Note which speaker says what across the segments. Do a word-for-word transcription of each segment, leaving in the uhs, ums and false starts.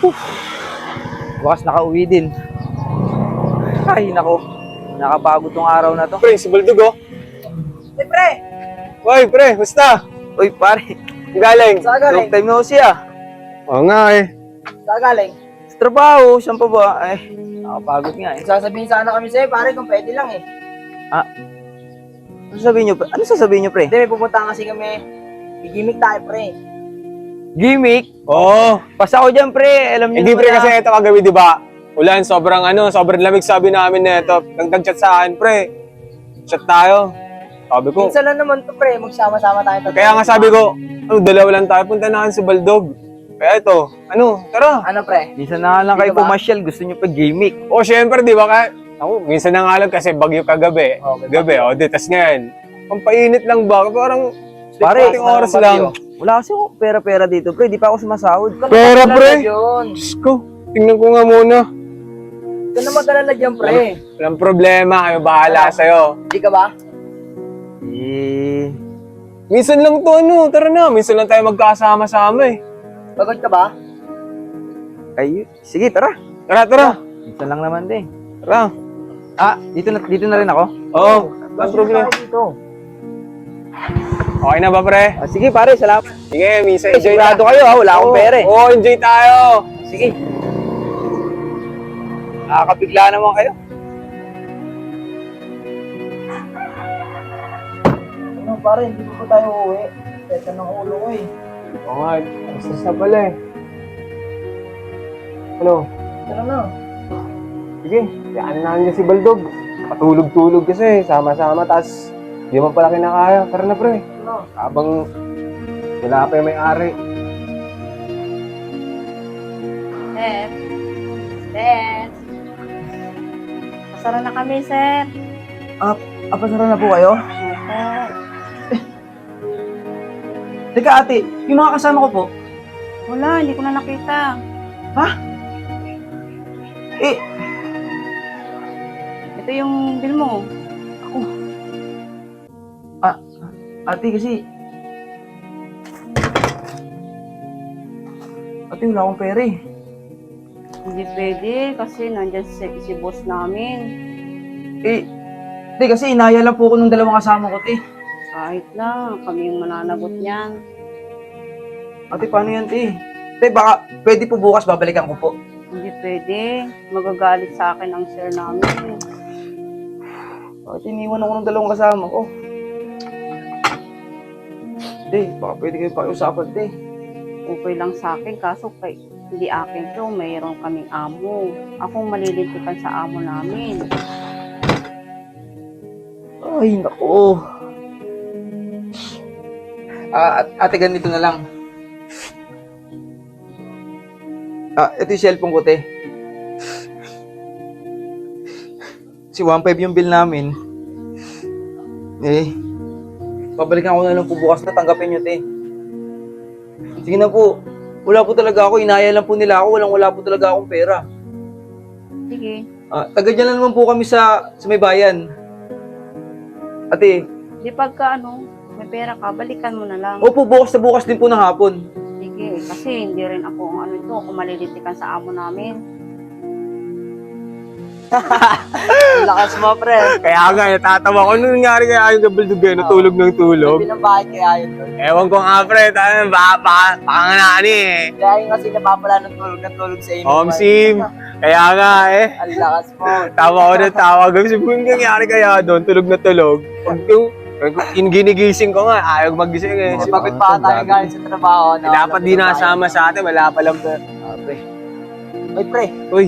Speaker 1: Bukas nakauwi din. Ay, nako. Nakapagod tong araw na to.
Speaker 2: Pre, si Baldog oh.
Speaker 3: Hey, pre!
Speaker 2: Hoy, pre, basta?
Speaker 1: Uy, pare.
Speaker 2: Galing.
Speaker 3: Saan
Speaker 1: Long
Speaker 3: galing?
Speaker 1: time no see ah.
Speaker 2: Oo nga eh.
Speaker 3: Saan galing?
Speaker 1: Sa trabaho, saan pa ba? Ay, nakapagod nga eh.
Speaker 3: Sasabihin sana kami sa'yo, pare, kung pwede lang eh.
Speaker 1: Ah, ano sasabihin nyo? pre? Ano sasabihin nyo, pre?
Speaker 3: Hindi, may pupunta kasi kami. Gigimik tayo, pre.
Speaker 1: Gimmick?
Speaker 2: Oo.
Speaker 1: Pasa ko dyan, pre. Alam nyo
Speaker 2: Hindi
Speaker 1: naman
Speaker 2: pre
Speaker 1: na-
Speaker 2: kasi ito kagabi, di ba? Ulan, sobrang ano, sobrang lamig sabi namin na ito. Nagtag-chat sa akin, pre. Chat tayo. Sabi ko.
Speaker 3: Minsan lang naman to, pre. Magsama-sama tayo. tatlo.
Speaker 2: Kaya nga sabi ko, ano, dalawa lang tayo. Punta na si Baldog. Kaya ito, ano, tara.
Speaker 3: Ano, pre?
Speaker 1: Minsan na nga lang
Speaker 3: Hindi
Speaker 1: kayo
Speaker 3: ka ba?
Speaker 1: pumasyal. Gusto nyo pa gimmick.
Speaker 2: O, syempre, di ba? Kaya, ako, minsan na nga lang kasi bagyo kagabi.
Speaker 3: Oh, may
Speaker 2: Gabi, o, di, tas ngayon. Ang painit lang ba? Parang,
Speaker 1: Pare,
Speaker 2: konting oras lang.
Speaker 1: Wala kasi ako pera-pera dito, pre. Di pa ako sumasahod.
Speaker 2: Pera, pre.
Speaker 3: Yun.
Speaker 2: Diyos ko, tingnan ko nga muna.
Speaker 3: Ito na mag-alala dyan, pre.
Speaker 2: Walang problema, kayo bahala sa'yo.
Speaker 3: Hindi ka ba?
Speaker 1: Eh,
Speaker 2: Minsan lang to, ano, tara na. Minsan lang tayo magkasama-sama eh.
Speaker 3: Pagod ka ba?
Speaker 1: ay, sige, tara.
Speaker 2: Tara, tara.
Speaker 1: Minsan lang naman din.
Speaker 2: Tara.
Speaker 1: Ah, dito na, dito na rin ako?
Speaker 2: Oo, walang problema.
Speaker 3: Tayo dito.
Speaker 2: Okay na ba, pre?
Speaker 1: Ah, sige, pare, salamat.
Speaker 2: Sige, minsan
Speaker 1: Eh,
Speaker 2: enjoy
Speaker 1: sigurado
Speaker 2: na.
Speaker 1: kayo, ha? Wala akong
Speaker 2: Oo,
Speaker 1: pera eh.
Speaker 2: Oo, enjoy tayo.
Speaker 1: Sige. Nakakabigla naman kayo.
Speaker 3: Ano, pare, hindi pa ba tayo uuwi? Teka ng ulo ko eh.
Speaker 2: Oo nga, stress na pala eh. Ano?
Speaker 3: Ano na?
Speaker 2: Sige, kayaan namin si Baldog. Patulog-tulog kasi, sama-sama, tas di mo pala kinakaya. Tara na, pre.
Speaker 3: Ano?
Speaker 2: Habang wala pa yung may-ari.
Speaker 4: Sir. Sir. Pasara na kami, sir.
Speaker 1: Apasara na po kayo?
Speaker 4: Sir.
Speaker 1: Teka, ate, yung mga kasama ko po,
Speaker 4: Wala, hindi ko na nakita.
Speaker 1: eh,
Speaker 4: Ito yung bill mo.
Speaker 1: ate kasi... Ate, wala akong pera eh.
Speaker 4: Hindi pwede kasi nandyan si, si boss namin.
Speaker 1: Eh, hindi kasi inaya lang po ko nung dalawang kasama ko, te.
Speaker 4: Kahit na, kami yung mananagot niyan.
Speaker 1: Ate, paano yan, te? Te, baka pwede po bukas babalikan ko po.
Speaker 4: Hindi pwede. Magagalit sa akin ang sir namin.
Speaker 1: Bakit iniwan ako ng dalawang kasama ko? Te, baka pwede kayo pakiusapan, te.
Speaker 4: Okay lang sa akin, kaso kay, hindi akin to, mayroon kaming amo. Akong malilintikan sa amo namin.
Speaker 1: Ay, nako. Ah, at- ate, ganito na lang. Ah, ito yung cellphone ko, te. Si one five yung bill namin. Eh, babalikan ko na lang po bukas na tanggapin nyo, te. Sige na po. Wala po talaga ako. Inaya lang po nila ako. Walang wala po talaga akong pera.
Speaker 4: Sige.
Speaker 1: Ah, taga dyan lang naman po kami sa, sa may bayan. Ate,
Speaker 4: Di pagka ano, may pera ka, balikan mo na lang.
Speaker 1: opo, bukas na bukas din po ng hapon.
Speaker 4: Sige, kasi hindi rin ako ang ano ito, kung malilitikan sa amo namin.
Speaker 3: Ang lakas mo, pre.
Speaker 2: Kaya nga, natatawa ko. Ano nangyari kaya yung Baldog eh? Natulog ng tulog?
Speaker 3: Sabi ng bahay kaya yun doon.
Speaker 2: Ewan ko nga, pre. Tayo, baka, baka, baka nga na ano eh.
Speaker 3: Kaya yun kasi napapala ng tulog ng tulog sa inyo.
Speaker 2: Home sim. Kaya nga eh.
Speaker 3: Ang lakas mo.
Speaker 2: Tawa ko na tawa. Gabi sabi ko, "Anong nangyari kaya doon? Tulog na tulog. Pag yung, yung ginigising ko nga, ayaw magising eh.
Speaker 3: Kasi pagod pa tayo galing sa trabaho.
Speaker 2: Eh, dapat di nasama sa atin, wala pa lang.
Speaker 1: Ah, pre.
Speaker 3: Ay, pre.
Speaker 2: Uy,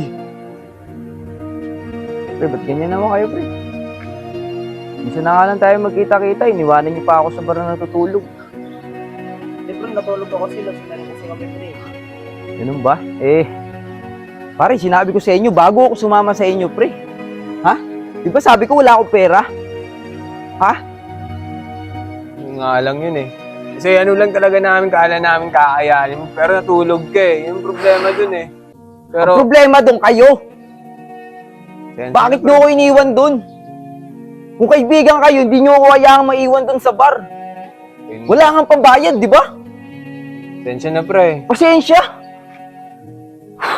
Speaker 1: Pre, ba't ganyan naman kayo, pre? Minsan na nga lang tayo magkita-kita. Iniwanan niyo pa ako sa bar na natutulog.
Speaker 3: Di pre, natulog ako sila. Sinari kasi kami, pre.
Speaker 1: Ganun ba? Eh, pare, sinabi ko sa inyo, bago ako sumama sa inyo, pre. Ha? Di ba sabi ko wala akong pera? Ha?
Speaker 2: yun nga lang yun eh. Kasi ano lang talaga namin, kaala namin kakayanin. Pero natulog ka eh. Yung problema dun eh.
Speaker 1: Ang
Speaker 2: Pero,
Speaker 1: problema doon kayo.
Speaker 2: Sensya
Speaker 1: Bakit
Speaker 2: na,
Speaker 1: nyo ako iniwan doon? Kung kaibigan kayo, hindi nyo ako hayaang maiwan doon sa bar.
Speaker 2: pre.
Speaker 1: Wala kang pambayad, di ba?
Speaker 2: Sensya na pre.
Speaker 1: Pasensya.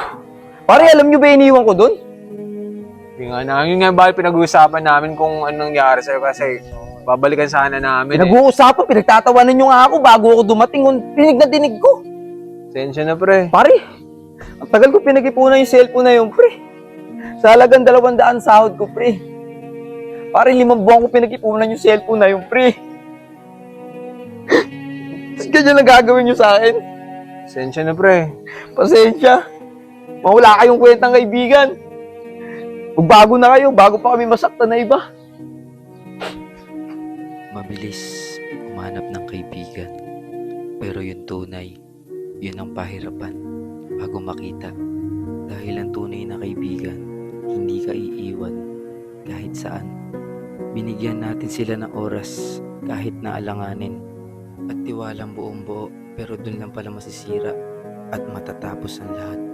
Speaker 1: Pare, alam nyo ba iniwan ko doon?
Speaker 2: Yung nga na, yun nga ba pinag-uusapan namin kung anong nangyari sa'yo kasi babalikan sana namin eh.
Speaker 1: Pinag-uusapan, pinagtatawanan nyo nga ako bago ako dumating. Pinig na dinig ko.
Speaker 2: Sensya na pre.
Speaker 1: Pare, ang tagal ko pinag-ipunan yung cellphone na yun, pre. Sa halagang dalawang daan sahod ko, pre. Pare, limang buwan ko pinag-ipunan yung cellphone na yun, pre. Tapos ganyan lang gagawin nyo sa akin.
Speaker 2: Sensya na pre.
Speaker 1: Pasensya. Mawala kayong kwentang kaibigan. Magbago na kayo, bago pa kami masaktan na iba.
Speaker 5: Mabilis umanap ng kaibigan. Pero yung tunay, yun ang pahirapan bago makita. Dahil ang tunay na kaibigan, hindi ka iiwan kahit saan. Binigyan natin sila ng oras kahit na alanganin. At tiwalang buong buo, pero dun lang pala masisira at matatapos ang lahat.